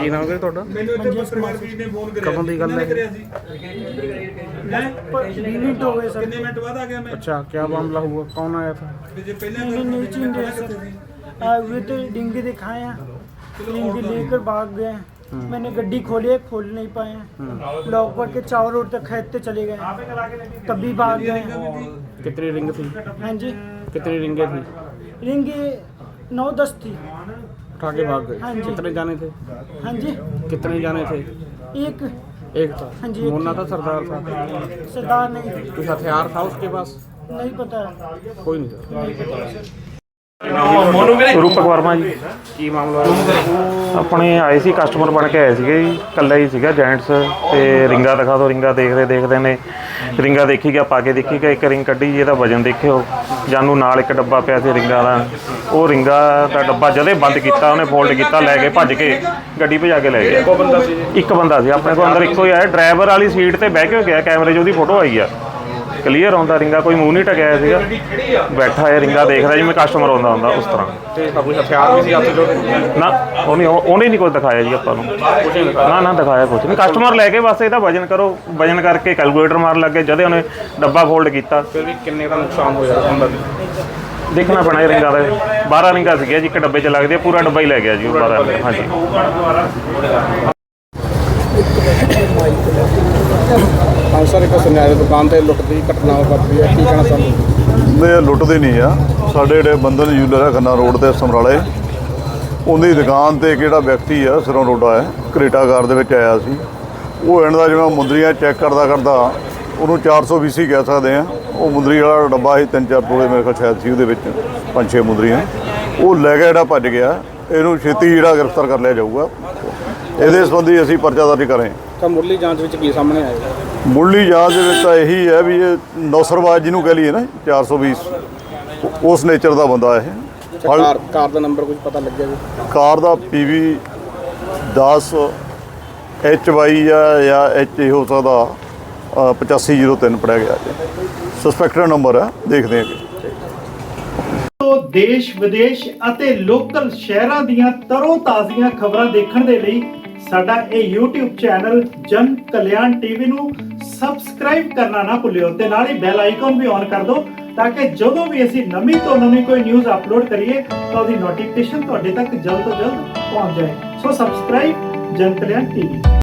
ਕੀ ਨਾਮ ਹੈ ਤੁਹਾਡਾ? ਕਦੋਂ ਦੀ ਗੱਲ है? मिनट हो गए सर। अच्छा, क्या मामला हुआ? कौन आया था? नीचे हुए तो डिंगे दिखाए हैं, डिंगे लेकर भाग गए। मैंने गड्डी खोली है, खोल नहीं पाए, लॉक पर के चारों रोड तक खेदते चले गए, तभी भाग गए। कितनी रिंग थी? हाँ जी, कितनी रिंगे थी? रिंग 9-10 थी। उठा के भाग गए? हाँ जी। कितने जाने थे? हाँ जी, कितने जाने थे? एक था। हाँ जी, एक मुन्ना था, सरदार था? सरदार नहीं थी। कुछ हथियार था उसके पास? नहीं पता, कोई नहीं था। ਰੂਪਕ ਵਰਮਾ ਜੀ। ਕੀ ਮਾਮਲਾ ਹੋਇਆ? ਆਪਣੇ ਆਏ ਸੀ, ਕਸਟਮਰ ਬਣ ਕੇ ਆਏ ਸੀਗੇ ਜੀ, ਇਕੱਲਾ ਹੀ ਸੀਗਾ ਜੈਂਟਸ। ਤੇ ਰਿੰਗਾ ਦਿਖਾ ਦਿਓ, ਰਿੰਗਾ ਦੇਖਦੇ ਨੇ ਰਿੰਗਾ ਦੇਖੀ ਗਿਆ, ਪਾ ਕੇ ਦੇਖੀ ਗਿਆ, ਇੱਕ ਰਿੰਗ ਕੱਢੀ ਜੀ, ਇਹਦਾ ਵਜਨ ਦੇਖਿਓ। ਜਾਨੂੰ ਨਾਲ ਇੱਕ ਡੱਬਾ ਪਿਆ ਸੀ ਰਿੰਗਾ ਦਾ, ਉਹ ਰਿੰਗਾ ਦਾ ਡੱਬਾ ਜਦੇ ਬੰਦ ਕੀਤਾ, ਉਹਨੇ ਫੋਲਡ ਕੀਤਾ, ਲੈ ਕੇ ਭੱਜ ਕੇ ਗੱਡੀ ਭਜਾ ਕੇ ਲੈ ਗਿਆ। ਇੱਕ ਬੰਦਾ ਸੀ ਆਪਣੇ ਕੋਲ, ਅੰਦਰ ਇੱਕੋ ਹੀ ਆਇਆ, ਡਰਾਈਵਰ ਵਾਲੀ ਸੀਟ ਤੇ ਬਹਿ ਕੇ ਗਿਆ, ਕੈਮਰੇ 'ਚ ਉਹਦੀ ਫੋਟੋ ਆਈ ਆ, ਕਲੀਅਰ ਆਉਂਦਾ ਰਿੰਗਾ, ਕੋਈ ਮੂੰਹ ਨਹੀਂ ਟਕਿਆ ਸੀਗਾ, ਬੈਠਾ ਹੈ ਰਿੰਗਾ ਦੇਖਦਾ ਜਿਵੇਂ ਕਸਟਮਰ ਆਉਂਦਾ ਹੁੰਦਾ ਉਸ ਤਰ੍ਹਾਂ। ਕੋਈ ਹਥਿਆਰ ਵੀ ਸੀ ਹੱਥ 'ਚ? ਨਾ, ਉਹਨੇ ਨਹੀਂ ਕੁਝ ਦਿਖਾਇਆ ਜੀ ਆਪਾਂ ਨੂੰ। ਨਾ ਦਿਖਾਇਆ ਕੁਝ ਨਹੀਂ, ਕਸਟਮਰ ਲੈ ਕੇ ਬਸ ਇਹਦਾ ਵਜਨ ਕਰੋ, ਵਜਨ ਕਰਕੇ ਕੈਲਕੂਲੇਟਰ ਮਾਰਨ ਲੱਗੇ, ਜਦੇ ਉਹਨੇ ਡੱਬਾ ਫੋਲਡ ਕੀਤਾ। ਫਿਰ ਵੀ ਕਿੰਨੇ ਦਾ ਨੁਕਸਾਨ ਹੋਇਆ ਹੁੰਦਾ? ਦੇਖਣਾ ਪੈਣਾ ਇਹ ਰਿੰਗਾਂ ਦਾ। 12 ਰਿੰਗਾਂ ਸੀਗੀਆਂ ਜੀ, ਇੱਕ ਡੱਬੇ 'ਚ ਲੱਗਦੇ, ਪੂਰਾ ਡੱਬਾ ਹੀ ਲੈ ਗਿਆ ਜੀ ਉਹ 12 ਰਿੰਗਾਂ। ਹਾਂਜੀ। ਹਾਂ ਸਰ, ਇੱਕ ਸੁਨਿਆਰੇ ਦੁਕਾਨ ਤੇ ਲੁੱਟ ਦੀ ਘਟਨਾ ਵਾਪਰੀ ਹੈ, ਕੀ ਕਹਿਣਾ ਚਾਹੁੰਦੇ? ਨਹੀਂ, ਲੁੱਟਦੇ ਨਹੀਂ ਆ। ਸਾਡੇ ਜਿਹੜੇ ਬੰਧਨ ਜੂਲਰ ਹੈ ਖੰਨਾ ਰੋਡ ਤੇ ਸਮਰਾਲੇ, ਉਹਦੀ ਦੁਕਾਨ ਤੇ ਕਿਹੜਾ ਵਿਅਕਤੀ ਆ ਸਿਰੋਂ ਰੋਡਾ ਹੈ, ਕਰੇਟਾ ਕਾਰ ਦੇ ਵਿੱਚ ਆਇਆ ਸੀ। ਉਹ ਇਹਨਾਂ ਦਾ ਜਿਵੇਂ ਮੁੰਦਰੀਆਂ ਚੈੱਕ ਕਰਦਾ ਉਹਨੂੰ 420 ਕਹਿ ਸਕਦੇ ਆ। ਉਹ ਮੁੰਦਰੀ ਵਾਲਾ ਡੱਬਾ ਸੀ, 3-4 ਤੋਲੇ ਮੇਰੇ ਕੋਲ ਸ਼ਾਇਦ ਸੀ ਉਹਦੇ ਵਿੱਚ, 5-6 ਮੁੰਦਰੀਆਂ। ਉਹ ਲੈ ਕੇ ਜਿਹੜਾ ਭੱਜ ਗਿਆ, ਇਹਨੂੰ ਛੇਤੀ ਜਿਹੜਾ ਗ੍ਰਿਫਤਾਰ ਕਰ ਲਿਆ ਜਾਊਗਾ। ਇਹਦੇ ਸੰਬੰਧੀ ਅਸੀਂ ਪਰਚਾ ਦਰਜ ਕਰੇ। ਤਾਂ ਮੁੱਢਲੀ ਜਾਂਚ ਵਿੱਚ ਕੀ ਸਾਹਮਣੇ ਆਇਆ? ਮੁੱਢਲੀ ਜਾਂਚ ਦੇ ਵਿੱਚ ਤਾਂ ਇਹੀ ਹੈ ਵੀ ਇਹ ਨੌਸਰਬਾਜ਼ ਜਿਹਨੂੰ ਕਹਿ ਲਈਏ ਨਾ, 420 ਉਸ ਨੇਚਰ ਦਾ ਬੰਦਾ ਇਹ। ਕਾਰ ਦਾ ਨੰਬਰ ਕੁਝ ਪਤਾ ਲੱਗਿਆ ਜੀ? ਕਾਰ ਦਾ PV 10 HY ਜਾਂ HA ਹੋ ਸਕਦਾ, 8503 ਪੜਿਆ ਗਿਆ ਜੀ। ਸਸਪੈਕਟਡ ਨੰਬਰ ਹੈ, ਦੇਖਦੇ ਹਾਂ। ਦੇਸ਼ ਵਿਦੇਸ਼ ਅਤੇ ਲੋਕਲ ਸ਼ਹਿਰਾਂ ਦੀਆਂ ਤਰੋ ਤਾਜ਼ੀਆਂ ਖਬਰਾਂ ਦੇਖਣ ਦੇ ਲਈ ਸਾਡਾ ਇਹ YouTube ਚੈਨਲ ਜਨ ਕਲਿਆਣ TV ਨੂੰ ਸਬਸਕ੍ਰਾਈਬ ਕਰਨਾ ਨਾ ਭੁੱਲਿਓ ਤੇ ਨਾਲ ਹੀ ਬੈਲ ਆਈਕਨ ਵੀ ਔਨ ਕਰ ਦਿਓ ਤਾਂ ਕਿ ਜਦੋਂ ਵੀ ਅਸੀਂ ਨਵੀਂ ਤੋਂ ਨਵੀਂ ਕੋਈ ਨਿਊਜ਼ ਅਪਲੋਡ ਕਰੀਏ ਤਾਂ ਉਹਦੀ ਨੋਟੀਫਿਕੇਸ਼ਨ ਤੁਹਾਡੇ ਤੱਕ ਜਲਦ ਤੋਂ ਜਲਦ ਪਹੁੰਚ ਜਾਏ। ਸੋ ਸਬਸਕ੍ਰਾਈਬ ਜਨ ਕਲਿਆਣ TV।